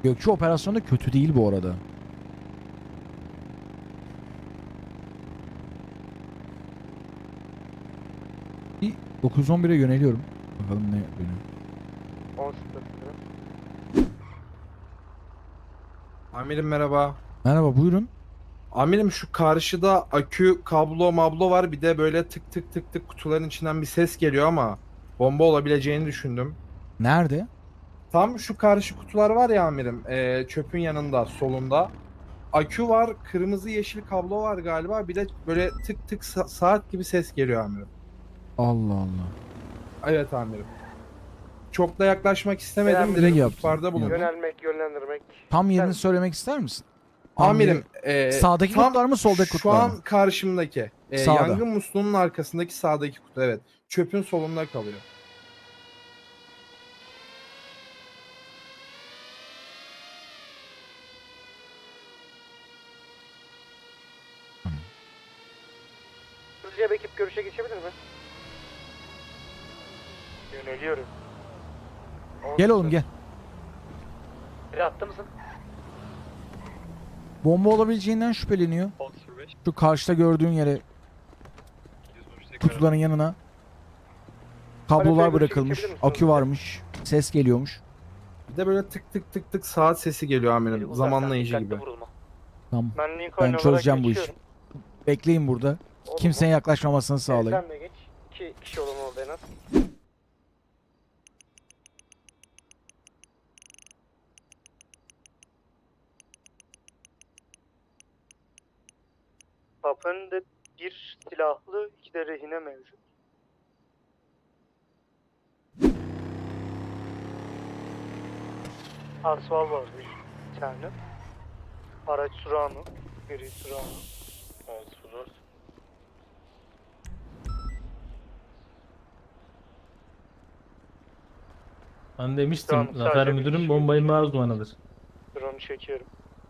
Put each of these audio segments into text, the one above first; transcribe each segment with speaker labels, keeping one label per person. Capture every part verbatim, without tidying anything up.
Speaker 1: Gökçe operasyonu da kötü değil bu arada. Bir dokuz on bire yöneliyorum. Bakalım ne benim.
Speaker 2: on sıfır.
Speaker 3: Amirim merhaba.
Speaker 1: Merhaba, buyurun.
Speaker 3: Amirim şu karşıda akü, kablo, mablo var. Bir de böyle tık tık tık tık kutuların içinden bir ses geliyor ama bomba olabileceğini düşündüm.
Speaker 1: Nerede?
Speaker 3: Tam şu karşı kutular var ya amirim. eee, çöpün yanında, solunda. Akü var, kırmızı yeşil kablo var galiba. Bir de böyle tık tık sa- saat gibi ses geliyor amirim.
Speaker 1: Allah Allah.
Speaker 3: Evet amirim. Çok da yaklaşmak istemedim.
Speaker 2: Selam,
Speaker 3: Direkt
Speaker 1: iyi yaptın.
Speaker 3: ihbarda bulundum.
Speaker 2: Yönelmek, yönlendirmek.
Speaker 1: Tam yerini
Speaker 2: Sen-
Speaker 1: söylemek ister misin? Tam
Speaker 3: Amirim,
Speaker 1: yeri-
Speaker 3: eee,
Speaker 1: Sağdaki
Speaker 3: tam
Speaker 1: kutular mı, soldaki
Speaker 3: şu
Speaker 1: kutular
Speaker 3: an
Speaker 1: mı?
Speaker 3: karşımdaki. Eee,
Speaker 1: Sağda.
Speaker 3: Yangın musluğunun arkasındaki sağdaki kutu, evet. Çöpün solunda kalıyor.
Speaker 2: Hızlıca bir ekip görüşe geçebilir mi? Yöneliyorum. on
Speaker 1: Gel oğlum
Speaker 2: sıfır.
Speaker 1: gel.
Speaker 2: Biri attı mısın?
Speaker 1: Bomba olabileceğinden şüpheleniyor.
Speaker 4: on sıfır beş.
Speaker 1: Şu karşıda gördüğün yere, kutuların yanına kablolar
Speaker 2: Hareket
Speaker 1: bırakılmış.
Speaker 2: geçebilir misin
Speaker 1: Akü
Speaker 2: hızlıca?
Speaker 1: varmış. Ses geliyormuş.
Speaker 3: Bir de böyle tık tık tık tık saat sesi geliyor amirim. Zamanlayıcı gibi.
Speaker 1: Tamam.
Speaker 2: Ben Lincoln
Speaker 1: Ben
Speaker 2: olarak
Speaker 1: çözeceğim bu işi.
Speaker 2: geçiyorum.
Speaker 1: Bekleyin burada.
Speaker 2: Olur
Speaker 1: Kimsenin
Speaker 2: mu?
Speaker 1: yaklaşmamasını
Speaker 2: Ee,
Speaker 1: sağlayın.
Speaker 2: Sen de geç. İki kişi olun orada en az. Kapı önünde bir silahlı, iki de rehine mevcut. Asval var bir tane. Araç Surano. Biri Surano. on sıfır dört.
Speaker 5: Ben demiştim
Speaker 2: Tamam,
Speaker 5: Zafer
Speaker 2: sadece bir
Speaker 5: Müdürüm
Speaker 2: kişi
Speaker 5: bombayı
Speaker 2: geçiyor.
Speaker 5: uzmanıdır.
Speaker 2: Surano çekiyorum.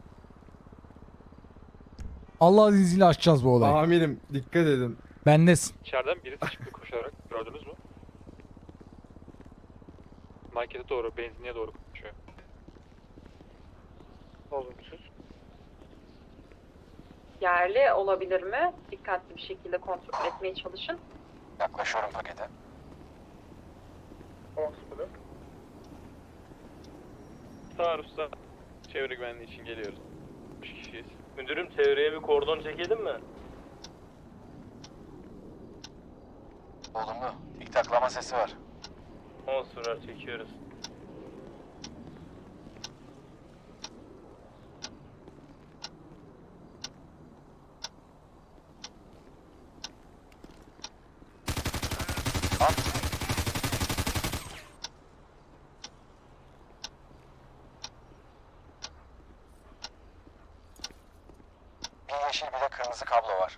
Speaker 1: Allah izniyle açacağız bu olayı.
Speaker 3: Amirim dikkat edin.
Speaker 1: Bendesin.
Speaker 4: İçeriden biri çıktı koşarak. Gördünüz mü? Markete doğru, benzinliğe doğru koşuyor.
Speaker 2: Olumsuz.
Speaker 6: Yerli olabilir mi? Dikkatli bir şekilde kontrol etmeye çalışın.
Speaker 7: Yaklaşıyorum pakete.
Speaker 2: on sıfır dört.
Speaker 4: Sağ usta. Çevre güvenliği için geliyoruz. üç kişiyiz.
Speaker 5: Müdürüm çevreye bir kordon çekelim mi?
Speaker 7: Olumlu. Tik taklama sesi var.
Speaker 5: on sıfır çekiyoruz.
Speaker 7: Bir yeşil bir de kırmızı kablo var.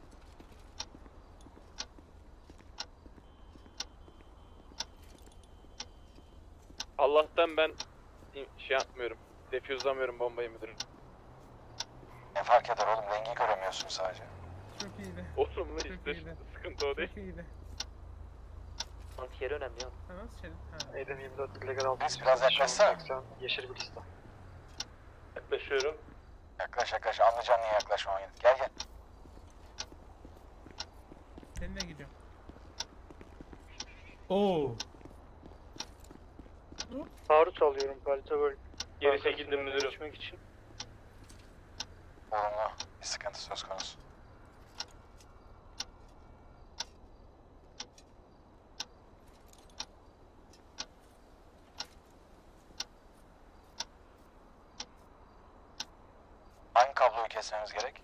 Speaker 4: Allah'tan ben şey yapmıyorum. Defüzlamıyorum bombayı müdürüm.
Speaker 7: Ne fark eder oğlum, rengi göremiyorsun sadece.
Speaker 8: Çok iyiydi.
Speaker 4: Olumlu
Speaker 8: Çok
Speaker 4: işte.
Speaker 8: iyiydi.
Speaker 4: Sıkıntı o değil.
Speaker 8: Çok iyiydi.
Speaker 2: Yeri önemli ya.
Speaker 8: Ha, nasıl şey? Ha.
Speaker 2: Eden yirmi dört illegal altı.
Speaker 7: Biz biraz yaklaşsana.
Speaker 2: Yeşil bir liste.
Speaker 5: Yaklaşıyorum.
Speaker 7: Yaklaş yaklaş, anlayacaksın niye yaklaşmaman gerek. Gel gel.
Speaker 8: Seninle gidiyorum.
Speaker 5: Oo.
Speaker 2: Taarruz alıyorum kalite böyle.
Speaker 5: Geri çekildim müdürüm.
Speaker 2: Geçmek için.
Speaker 7: Olumlu. Bir sıkıntı söz konusu. Hangi kabloyu kesmemiz gerek?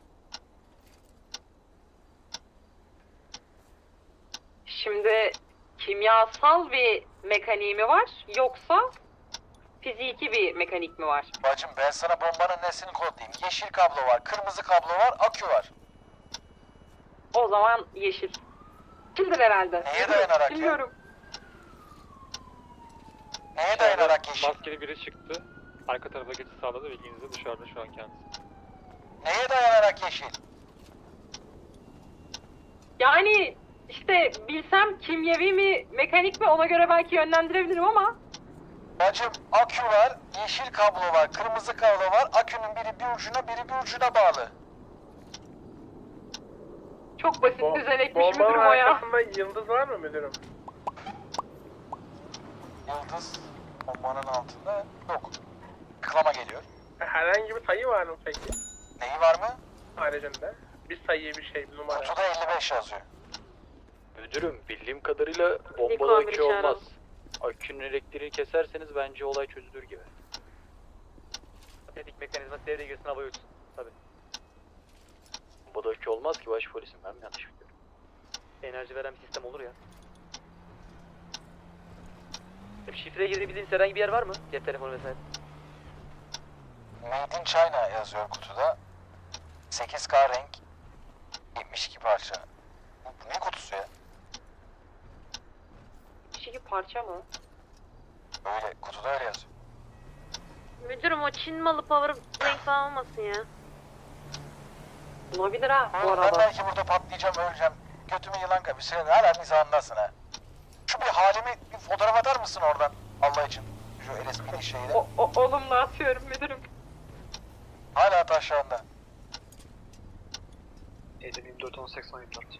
Speaker 6: Şimdi kimyasal bir mekaniği mi var yoksa fiziki bir mekanik mi var?
Speaker 7: Bacım ben sana bombanın nesini kodlayayım. Yeşil kablo var, kırmızı kablo var, akü var.
Speaker 6: O zaman yeşil. Kimdir herhalde?
Speaker 7: Neye dayanarak ya?
Speaker 6: Bilmiyorum.
Speaker 7: Neye dayanarak yeşil?
Speaker 4: Maskeli biri çıktı. Arka tarafa geçiş sağladı. Bilginize dışarıda şu an kendisi.
Speaker 7: Neye dayanarak yeşil?
Speaker 6: Yani işte bilsem kimyevi mi mekanik mi ona göre belki yönlendirebilirim ama
Speaker 7: Bacım akü var, yeşil kablo var, kırmızı kablo var. Akünün biri bir ucuna, biri bir ucuna bağlı.
Speaker 6: Çok basit
Speaker 5: Bo-
Speaker 6: düzenekmiş
Speaker 5: Bombanın
Speaker 6: müdürüm o ya.
Speaker 5: arkasında yıldız var mı müdürüm?
Speaker 7: Yıldız bombanın altında yok. Tıklama geliyor.
Speaker 5: Herhangi bir sayı var mı peki?
Speaker 7: Neyi var mı?
Speaker 5: Haricinde. Bir sayı bir şey bir numara.
Speaker 7: Kutuda elli beş yazıyor.
Speaker 4: Müdürüm bildiğim kadarıyla bombalı
Speaker 6: Niko
Speaker 4: akü
Speaker 6: amiri
Speaker 4: olmaz. Akünün elektriğini keserseniz bence olay çözülür gibi.
Speaker 9: Tetik mekanizması devreye girsin, hava uçsun. Tabii.
Speaker 4: Bombalı akü olmaz ki baş polisim, ben mi yanlış biliyorum?
Speaker 9: Enerji veren bir sistem olur ya. Şifreye girebildiğiniz herhangi bir yer var mı? Cep telefonu vesaire.
Speaker 7: Made in China yazıyor kutuda. sekiz K renk. yetmiş iki parça. Bu ne kutusu ya?
Speaker 6: Şey parça mı?
Speaker 7: Öyle kutuda öyle yazıyor.
Speaker 10: Müdürüm o Çin malı power bank falan olmasın ya.
Speaker 6: Olabilir ha bu
Speaker 7: Oğlum ben
Speaker 6: arada.
Speaker 7: belki burada patlayacağım, öleceğim. Götümü yılan kapı. Sen hala mizahındasın ha. Şu bir halimi bir fotoğraf atar mısın oradan? Allah için. Şu L S P'li şeyle.
Speaker 6: O, o, olumlu atıyorum müdürüm.
Speaker 7: Hala taşlarında.
Speaker 4: Edim yirmi dört on seksen yirmi dört.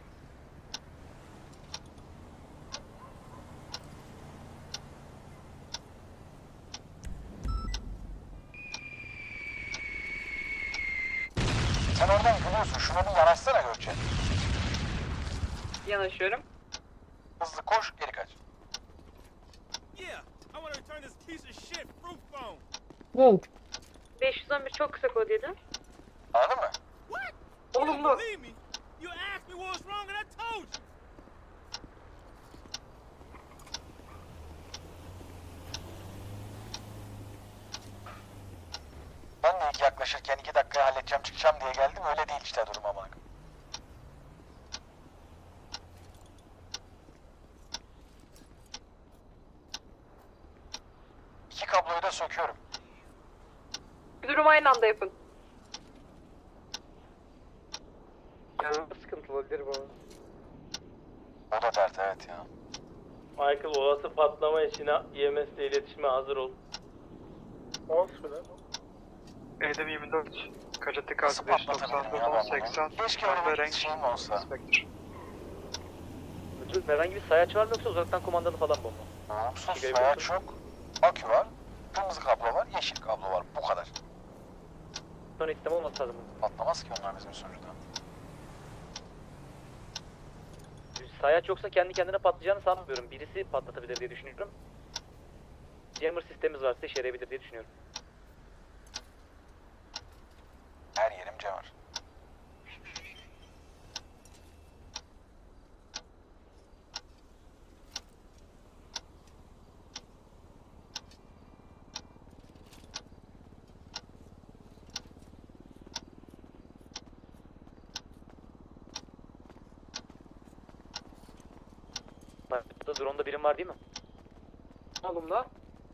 Speaker 7: Sen oradan gülüyorsun. Şuna bir yanaşsana Gökçe.
Speaker 6: Yanaşıyorum.
Speaker 7: Hızlı koş, geri kaç.
Speaker 10: beş yüz on bir çok kısa kod yedi.
Speaker 7: Anladın mı?
Speaker 6: Olumlu.
Speaker 7: Ben de ilk yaklaşırken iki dakikaya halledeceğim, çıkacağım diye geldim. Öyle değil işte durum ama. İki kabloyu da söküyorum.
Speaker 6: Müdürüm aynı anda yapın.
Speaker 2: Sıkıntı olabilir bu.
Speaker 7: O da dert, evet ya.
Speaker 5: Michael olası patlama için E M S ile iletişime hazır ol.
Speaker 2: Olsun lan.
Speaker 4: Edim yirmi dört. Kaçatı
Speaker 7: Nasıl patlatabilirim ya ben bunu? Keşke öyle bir şeyim olsa.
Speaker 9: Müdürüm herhangi bir sayaç var mı yoksa uzaktan kumandalı falan bomba?
Speaker 7: Olumsuz sayaç çok. Akü var. Kırmızı kablo var, yeşil kablo var. Bu kadar.
Speaker 9: Son sistem olması lazım.
Speaker 7: Patlamaz ki onlar bizim sonuçta.
Speaker 9: Sayaç yoksa kendi kendine patlayacağını sanmıyorum. Birisi patlatabilir diye düşünüyorum. Jammer sistemimiz varsa işe yarayabilir diye düşünüyorum.
Speaker 7: Her yerim cevher.
Speaker 9: Burada drone'da birim var değil mi?
Speaker 6: Olumlu.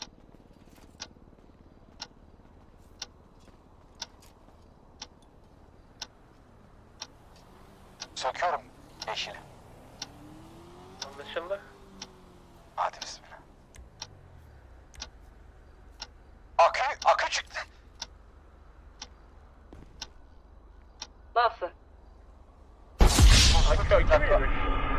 Speaker 7: Söküyorum yeşili.
Speaker 5: Anlaşıldı.
Speaker 7: Hadi bismillah. Akü, akü çıktı.
Speaker 6: Nasıl?
Speaker 5: Akü akü müymüş?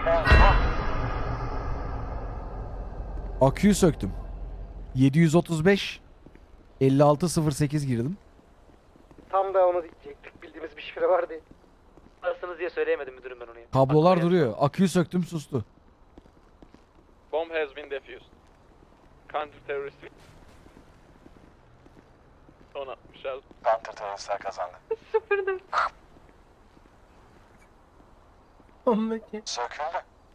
Speaker 1: Aküyü söktüm. yedi yüz otuz beş elli altı sıfır sekiz girdim.
Speaker 2: Tam da onu diyecektik. Bildiğimiz bir şifre vardı.
Speaker 9: Arasınız diye söyleyemedim müdürüm ben onu ya.
Speaker 1: Kablolar
Speaker 9: Aklıma
Speaker 1: duruyor. Aküyü söktüm, sustu.
Speaker 4: Bomb has been defused. Counter terörist. Son atmış al.
Speaker 7: Counter teröristler kazandı.
Speaker 6: Sıfırdım.
Speaker 7: Söküldü.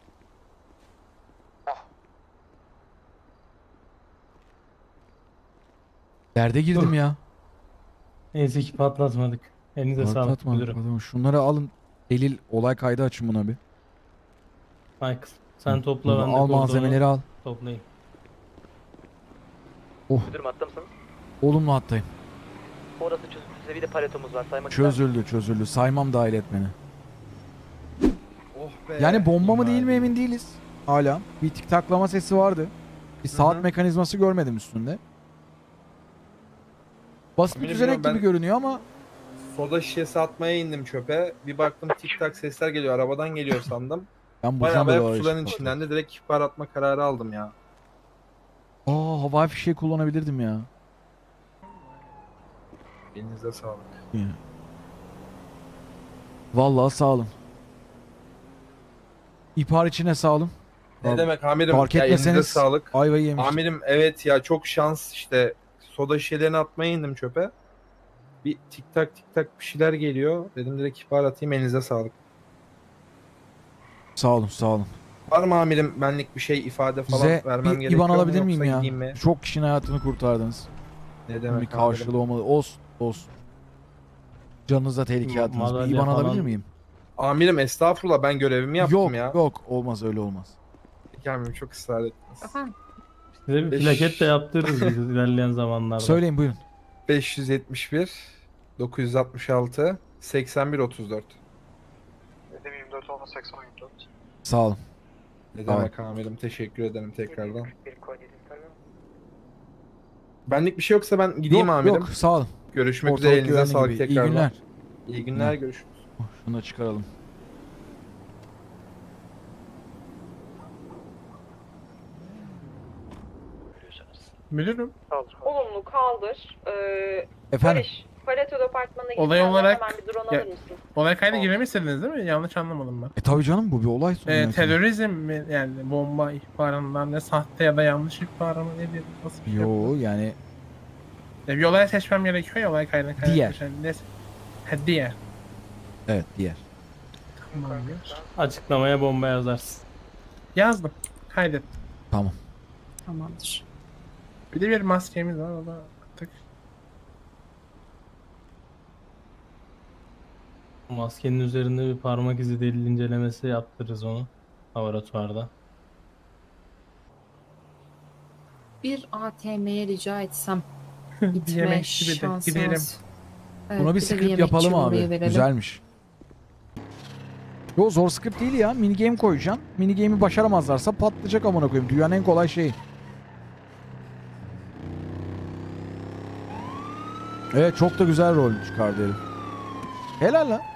Speaker 1: Derde girdim ya.
Speaker 11: Neyse ki patlatmadık. Elinize sağlık
Speaker 1: Patlatma,
Speaker 11: müdürüm.
Speaker 1: patlatma. Şunları alın. Delil, olay kaydı açın buna bir.
Speaker 11: Michael sen topla
Speaker 1: Bunu
Speaker 11: ben de
Speaker 1: al
Speaker 11: kordonu
Speaker 1: malzemeleri al.
Speaker 11: toplayayım.
Speaker 9: Müdürüm hatta mısınız?
Speaker 1: Olumlu hattayım.
Speaker 9: Orası çözüldüyse bir de paletomuz var. Saymak ister misiniz?
Speaker 1: Çözüldü, çözüldü. Saymam dahil et beni.
Speaker 3: Oh be.
Speaker 1: Yani bomba mı değil mi
Speaker 3: İmali.
Speaker 1: emin değiliz. Hala. Bir tik taklama sesi vardı. Bir saat
Speaker 3: Hı hı.
Speaker 1: mekanizması görmedim üstünde. Basit bir
Speaker 3: Amirim,
Speaker 1: düzenek
Speaker 3: ben-
Speaker 1: gibi görünüyor ama
Speaker 3: Soda şişesi atmaya indim çöpe. Bir baktım tik tak sesler geliyor. Arabadan geliyor sandım.
Speaker 1: ben
Speaker 3: Bayağı
Speaker 1: buradan böyle
Speaker 3: bayağı
Speaker 1: o
Speaker 3: kutuların
Speaker 1: ışık
Speaker 3: içinden de direkt ihbar atma kararı aldım ya.
Speaker 1: Aa, havai fişeği kullanabilirdim ya.
Speaker 3: Elinize sağlık.
Speaker 1: Vallahi sağ olun. İhbar içine sağ olun.
Speaker 3: Ne
Speaker 1: Abi,
Speaker 3: demek amirim?
Speaker 1: fark
Speaker 3: Ya elinize
Speaker 1: etmeseniz
Speaker 3: sağlık.
Speaker 1: ayvayı yemiştim.
Speaker 3: Amirim evet ya çok şans işte. Soda şişelerini atmaya indim çöpe. Bir tik tak tik tak bir şeyler geliyor. Dedim direkt ihbar atayım, elinize sağlık.
Speaker 1: Sağ olun sağ olun.
Speaker 3: Var mı amirim benlik bir şey ifade falan
Speaker 1: Size
Speaker 3: vermem
Speaker 1: bir
Speaker 3: gerekiyor
Speaker 1: İban
Speaker 3: mu
Speaker 1: alabilir miyim
Speaker 3: yoksa
Speaker 1: ya?
Speaker 3: gideyim mi?
Speaker 1: Çok kişinin hayatını kurtardınız.
Speaker 3: Ne
Speaker 1: Bir
Speaker 3: demek amirim?
Speaker 1: karşılığı olmalı. Olsun olsun. Canınıza tehlike
Speaker 11: Ma-
Speaker 1: attınız. Bir
Speaker 11: madalya
Speaker 1: İban alabilir
Speaker 11: falan-
Speaker 1: miyim?
Speaker 3: Amirim estağfurullah ben görevimi yaptım
Speaker 1: Yok
Speaker 3: ya.
Speaker 1: yok olmaz öyle olmaz.
Speaker 3: Peki amirim çok ısrar ettiniz.
Speaker 11: Size bir
Speaker 3: Beş-
Speaker 11: plaket de yaptırırız biz ilerleyen zamanlarda.
Speaker 1: Söyleyin buyurun.
Speaker 3: beş yüz yetmiş bir dokuz yüz altmış altı seksen bir otuz dört.
Speaker 2: yirmi dört olma seksen yirmi dört.
Speaker 1: Sağ olun.
Speaker 3: Ne
Speaker 1: Tamam.
Speaker 3: demek amirim, teşekkür ederim tekrardan.
Speaker 2: Bir kod yedi tane.
Speaker 3: Benlik bir şey yoksa ben gideyim
Speaker 1: yok
Speaker 3: amirim.
Speaker 1: yok sağ olun.
Speaker 3: Görüşmek üzere,
Speaker 1: Ortalık
Speaker 3: elinize
Speaker 1: güvenli
Speaker 3: sağlık
Speaker 1: gibi.
Speaker 3: tekrardan.
Speaker 1: İyi günler.
Speaker 3: İyi günler,
Speaker 1: Hı.
Speaker 3: görüşürüz.
Speaker 1: Oh, şunu da çıkaralım.
Speaker 8: Müdürüm.
Speaker 2: Kaldır.
Speaker 6: Olumlu kaldır. Ee,
Speaker 1: Efendim?
Speaker 6: Barış, Pareto departmanına git.
Speaker 8: Olay
Speaker 6: Senden
Speaker 8: olarak-
Speaker 6: hemen bir drone
Speaker 8: Ya-
Speaker 6: alır mısın?
Speaker 8: Olay kaydı giremezsiniz değil mi? Yanlış anlamadım ben.
Speaker 1: E tabii canım bu bir olay sonu.
Speaker 8: Ee,
Speaker 1: yani.
Speaker 8: terörizm mi yani bomba ihbarından ne sahte ya da yanlış ihbar mı nedir? Nasıl bir şey?
Speaker 1: Yo yani
Speaker 8: Ya bir olaya seçmem gerekiyor ya olay kaydına
Speaker 1: Diğer.
Speaker 8: kaydetmişler. Ne? Ha diğer.
Speaker 1: evet diğer.
Speaker 8: Tamamdır.
Speaker 11: Açıklamaya bomba yazarsın.
Speaker 8: Yazdım. Kaydet.
Speaker 1: Tamam.
Speaker 6: Tamamdır.
Speaker 8: Bir de bir maskemiz var o da attık.
Speaker 11: Maskenin üzerinde bir parmak izi delil incelemesi yaptırırız onu. Laboratuvarda.
Speaker 6: Bir A T M'ye rica etsem
Speaker 8: bir
Speaker 6: gitme
Speaker 8: yemekçi bir de gidelim.
Speaker 6: şansımız. Evet,
Speaker 1: Buna bir
Speaker 6: bir de
Speaker 1: script
Speaker 6: yemekçi
Speaker 1: yapalım
Speaker 6: oraya
Speaker 1: abi.
Speaker 6: verelim.
Speaker 1: Güzelmiş. Yo zor script değil ya. Mini game koyacaksın. Mini game'i başaramazlarsa patlayacak amına koyayım. Dünyanın en kolay şeyi. Evet çok da güzel rol çıkardı herif. Helal lan.